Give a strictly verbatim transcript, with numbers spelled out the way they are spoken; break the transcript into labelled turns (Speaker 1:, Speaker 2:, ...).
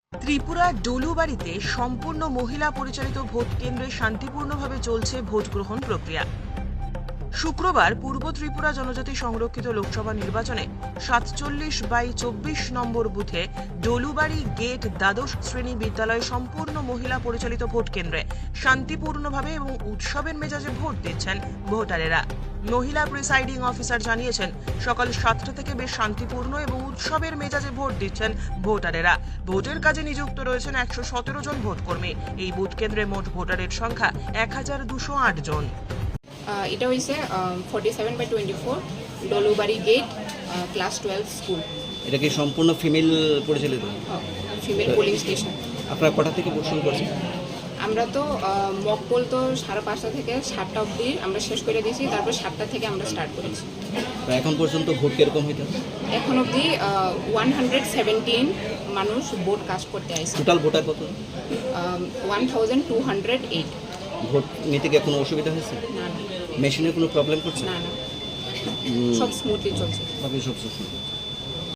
Speaker 1: ত্রিপুরা ডলুবাড়িতে সম্পূর্ণ মহিলা পরিচালিত ভোট কেন্দ্রে শান্তিপূর্ণভাবে চলছে ভোট গ্রহণ প্রক্রিয়া। শুক্রবার পূর্ব ত্রিপুরা জনজাতি সংরক্ষিত লোকসভা নির্বাচনে সাতচল্লিশ বাই চব্বিশ নম্বর বুথে ডলুবাড়ি গেট দ্বাদশ শ্রেণী বিদ্যালয়ে সম্পূর্ণ মহিলা পরিচালিত ভোট কেন্দ্রে শান্তিপূর্ণভাবে এবং উৎসবের মেজাজে ভোট দিচ্ছেন ভোটারেরা। মহিলা প্রিসাইডিং অফিসার জানিয়েছেন, সকাল সাতটা থেকে বেশ শান্তিপূর্ণ এবং উৎসবের মেজাজে ভোট দিচ্ছেন ভোটারেরা। ভোটের কাজে নিযুক্ত রয়েছেন একশো সতেরো জন ভোটকর্মী। এই ভোট কেন্দ্রে মোট ভোটারের সংখ্যা এক হাজার দুশো আট জন।
Speaker 2: এটা হয়েছে forty seven by twenty four Dolubari gate class twelve school.
Speaker 3: এটা কি সম্পূর্ণ ফিমেল পরিচালিত?
Speaker 2: Female polling station.
Speaker 3: আপনারা কটা থেকে ভোট শুরু করছেন?
Speaker 2: আমরা তো মক পোল তো সাড়ে পাঁচটা থেকে সাতটা অবধি আমরা শেষ করে দিয়েছি, তারপর সাতটা থেকে আমরা স্টার্ট করেছি।
Speaker 3: এখন পর্যন্ত ভোট কিরকম হইতে?
Speaker 2: এখন অবধি ওয়ান হান্ড্রেড সেভেন্টিন মানুষ ভোট কাস্ট করতে আসছে।
Speaker 3: টোটাল ভোটার কত?
Speaker 2: One thousand two hundred eight.
Speaker 3: Vote নিতে গিয়ে কোনো অসুবিধা হয়েছে?
Speaker 2: না না
Speaker 3: মেশিনে কোনো প্রবলেম করছে?
Speaker 2: না না, সব স্মুথলি চলছে।
Speaker 3: সব সুস্থ।